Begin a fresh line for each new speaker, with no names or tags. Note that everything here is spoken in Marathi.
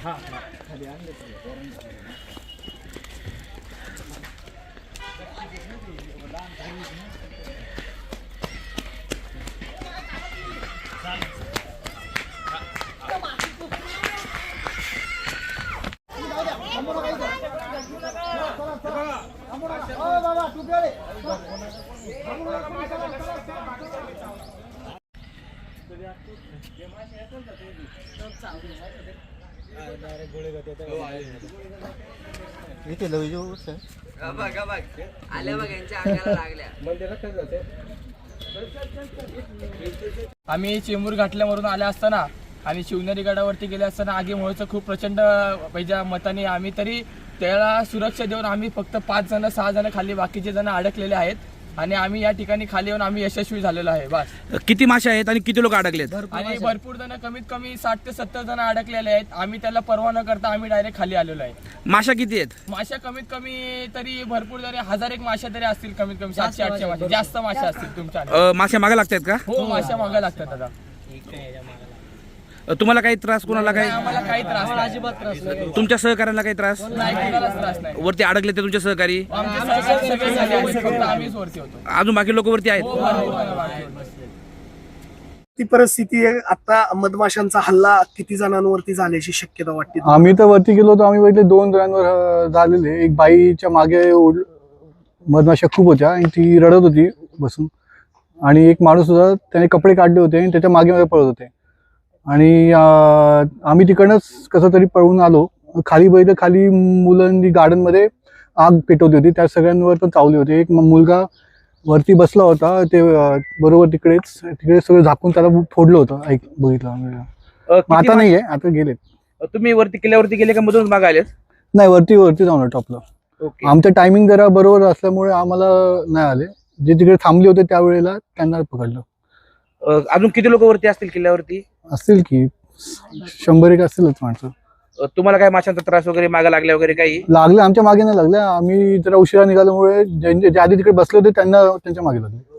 आम्ही चेंबूर घाटल्यावरून आले असताना आणि शिवनेरी गडावरती गेले असताना आगीमुळेचं खूप प्रचंड पैजा मताने आम्ही तरी त्याला सुरक्षा देऊन आम्ही फक्त 5 जण 6 जण खाली, बाकीचे जण अडकलेले आहेत आणि आम्ही या ठिकाणी खाली येऊन आम्ही यशस्वी झालेलो आहे. बस.
किती मासे आहेत आणि किती लोक अडकलेत?
आणि भरपूर जण, कमीत कमी 60 ते 70 जण अडकलेले आहेत. आम्ही त्याला परवा न करता आम्ही डायरेक्ट खाली आलेलो आहे.
माशा किती आहेत?
माशा कमीत कमी तरी भरपूर जरी 1000 एक माशा तरी असतील, कमीत कमी 700-800 माशा, जास्त माशा असतील तुमच्या.
माशा मागे लागतात का?
हो, माशा मागे लागतात दादा.
तुम्हाला काही त्रास, कोणाला काही?
आम्हाला काही त्रास नाही, अजिबात त्रास नाही.
तुमच्या सहकार्याला काही त्रास
नाही? कोणालाच त्रास नाही.
वरती अडकले ते तुमचे सहकारी?
आमचे सहकारी सगळे झाले आहेत, फक्त आम्हीच वरती होतो.
अजून बाकी लोक वरती आहेत?
हो, बाकी.
ती परिस्थिती आहे आता. मधमाशांचा हल्ला किती जणांवरती झाल्याची शक्यता वाटते?
आम्ही तर वरती गेलो होतो, आम्ही बघितले 2 जणांवर झालेले. एक बाईच्या मागे मधमाशा खूप होत्या आणि ती रडत होती बसून, आणि एक माणूस होता, त्याने कपडे काढले होते आणि त्याच्या मागे मागे पळत होते. आणि आम्ही तिकडनंच कसं तरी पळून आलो. खाली बघितलं, खाली मुलांनी गार्डनमध्ये आग पेटवली होती, त्या सगळ्यांवर पण चावली होती. एक मुलगा वरती बसला होता, ते बरोबर तिकडे सगळं झाकून त्याला फोडलं होतं. बघितलं. आता नाहीये, आता गेलेत.
तुम्ही वरती किल्ल्यावरती गेले का मधून मागे आलेत?
नाही, वरती जाऊन टॉपला. आमचं टायमिंग जरा बरोबर असल्यामुळे आम्हाला नाही आले. जे तिकडे थांबले होते त्यावेळेला त्यांना पकडलं.
अजून किती लोक वरती असतील किल्ल्यावरती?
असतील की 100 असतीलच माणसं.
तुम्हाला काय माशांचा त्रास वगैरे मागे लागल्या वगैरे काही
लागले? आमच्या मागे नाही लागले. आम्ही जरा उशिरा निघाल्यामुळे जे आधी तिकडे बसले होते त्यांना त्यांच्या मागे लागले.